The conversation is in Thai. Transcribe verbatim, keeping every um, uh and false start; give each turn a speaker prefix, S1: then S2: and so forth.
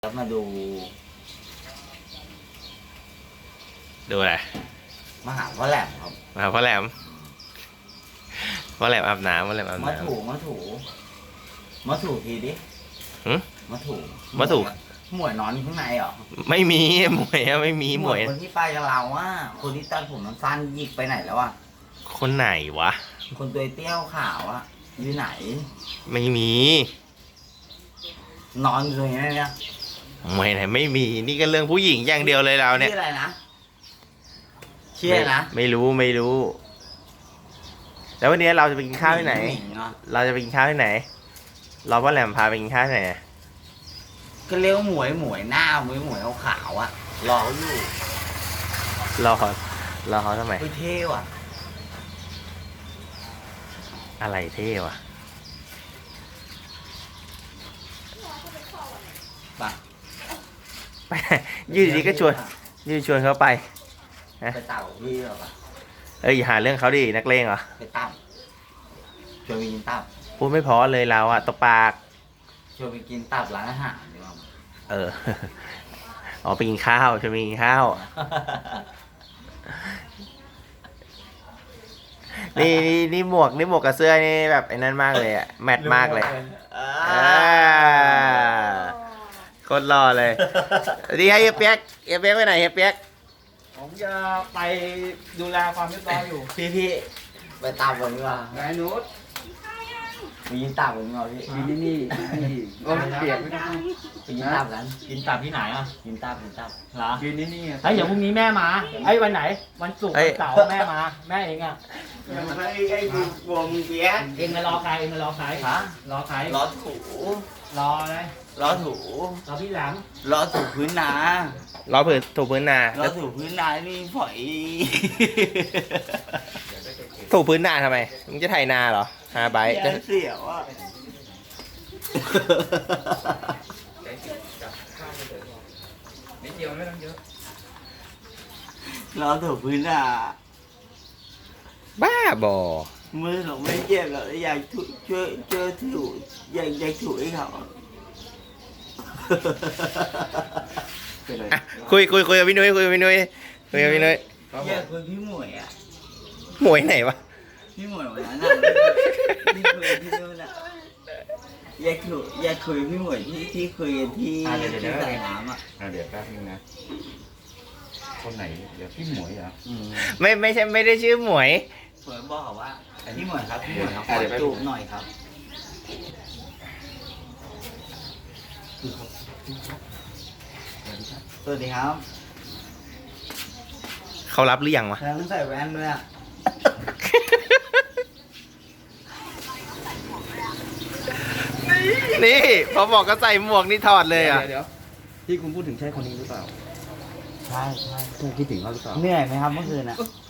S1: แล้วมาดู
S2: ดูอะไร
S1: มหาพ่อแหลมครับ
S2: มาพ่อแหลมพ่อแหลมอาบน้ำพ่อแหลมอาบ
S1: มา
S2: น้
S1: ถูมาถูมาถูทีดิ
S2: ำหึ
S1: มาถู
S2: มาถู
S1: หมวยนอนอยู่ข้างในเหรอ
S2: ไม่มีหมวยอะไม่มีหมวย
S1: คนที่ไปกับเราอ่ะคนที่ตัดผมมันสั้นหยิกไปไหนแล้วอ่ะ
S2: คนไหนวะ
S1: คนตัวเตี้ยวขาวอ่ะอยู่ไหน
S2: ไม่มี
S1: นอนอยู่ตรงนี้เนี่ย
S2: หมวยไหนไม่มีนี่ก็เรื่องผู้หญิงอย่างเดียวเลยเราเนี่ย
S1: ชื่ออะไรนะชื่ออะไรนะ
S2: ไม่รู้ไม่รู้ แล้ววันนี้เราจะไปกินข้าวที่ไหน
S1: ญิงเหรอ
S2: เราจะไปกินข้าวที่ไหนรอพ่อแหลมพาไปกินข้าวที่ไหนอะ
S1: ก็เรียกว่าหมวยหมวยหน้าหมวยหมวยขาวๆอ่ะรอเขาอยู่
S2: รอเขารอเขาทำไม
S1: ไปเท่ว่ะ
S2: อะไรเท่วะ
S1: ไป
S2: ไปอยืดดีๆก็ชวนอยืดชวนเขาไป
S1: ไปเต่าพี่หรอปะ
S2: เอ้ยอย่าหาเรื่องเขาดินักเลงเหรอ
S1: ไปตั้มชวนไปกินตับ
S2: พูดไม่เพอเลยเราอะตบปาก
S1: ชวนไปกินตับร้านอาหารดีกว่า
S2: เออ อ๋อไปกินข้าวชวนไปกินข้าว นี่นี่นี่หมวกนี่หมวกกับเสื้อนี่แบบไอ้นั่นมากเลยอะแมทมากเลย
S1: อ่า
S2: อ่าโคตรรอเลยสวัสดีครับเฮียเปียกเฮียเปียกไปไหนเฮียเปียก
S3: ผมจะไปดูแลความเรียบร้อยอยู่
S1: พี่พี่ไปตับกันดีกว่า
S3: ไงนุช
S1: ไปกินตับกันดีกว่าพี่
S3: นี่นี่นี่ก็เปียกไม่ได้
S1: ไปกินตับกัน
S3: กินตับที่ไหนอ่ะ
S1: กินตับกินตับ
S3: เหรอกินนี่นี่ไอ้ยเดี๋ยวพรุ่งนี้แม่มาไอ้ยวันไหน วันศุกร์วันเสาร์แม่มา แม่เองอ่ะ
S1: ไม่ไอ้ดูวงเปียก
S3: เองมารอใครเองมารอใคร
S1: ฮะ
S3: รอใคร
S1: ล้อถู
S3: รออะไร
S1: ล้อถู
S3: รอพี่หลัง
S1: ล้อถูพื้นนาร
S2: อผืนถูพื้นนา
S1: ล้อถูพื้นนานี่ฝอย
S2: ถูพื้นนาทำไมมึงจะไถนาเหรอฮาไบต์จะ
S1: เสียวอ่ะ
S3: นิดเดียวไม่ต้องเยอะ
S1: ล้อถูพื้นนา
S2: บ้าบอ
S1: มือผมไม่เจ็บหรอกอยากถูช่วยช่วยถูอยากอยากถูให้เขา
S3: เป็นไร
S2: อ่ะคุยคุยคุยกับพี่นุ้ยคุยกับพี่นุ้ยคุยกับพี่นุ้ย
S1: อยากคุยพี่หมวยอ่ะ
S2: หมวยไหนวะ
S1: พี่หมวยวันนั้นน่ะที่คุยที่นู่นอ่ะอยากคุยอยากคุยพี่หมวยที่ที่คุยกันที่ที่สายน้ำอ่ะ
S4: อ่ะเดี๋ยวแป๊บนึงนะ คนไหน เดี๋ยวพี่หมวยเหรอ
S1: อืม
S2: ไม่ไม่ใช่ไม่ได้ชื่อหมวย
S1: หมวยบอกเขาว่าพี่หมวยครับพี่หมวยครับข
S4: อ่ะ
S1: อ
S4: เดี๋ยวแป๊บ
S1: จูบหน่อยครับสวัสดีครับ
S2: เขารับหรือยังวะ
S1: แล้วต้องใส่แว่นด้วยอ่ะ
S2: นี่พอบอกก็ใส่หมวกนี่ถอดเลยอ่ะ
S3: เดี๋ยวที่คุณพูดถึงใช่คนนี้หรือเปล่า
S1: ใช่ใช่
S3: ใช่คิดถึงเขาหรือเปล่า
S1: เหนื่อยไหมครับเมื่อคืนอ่ะ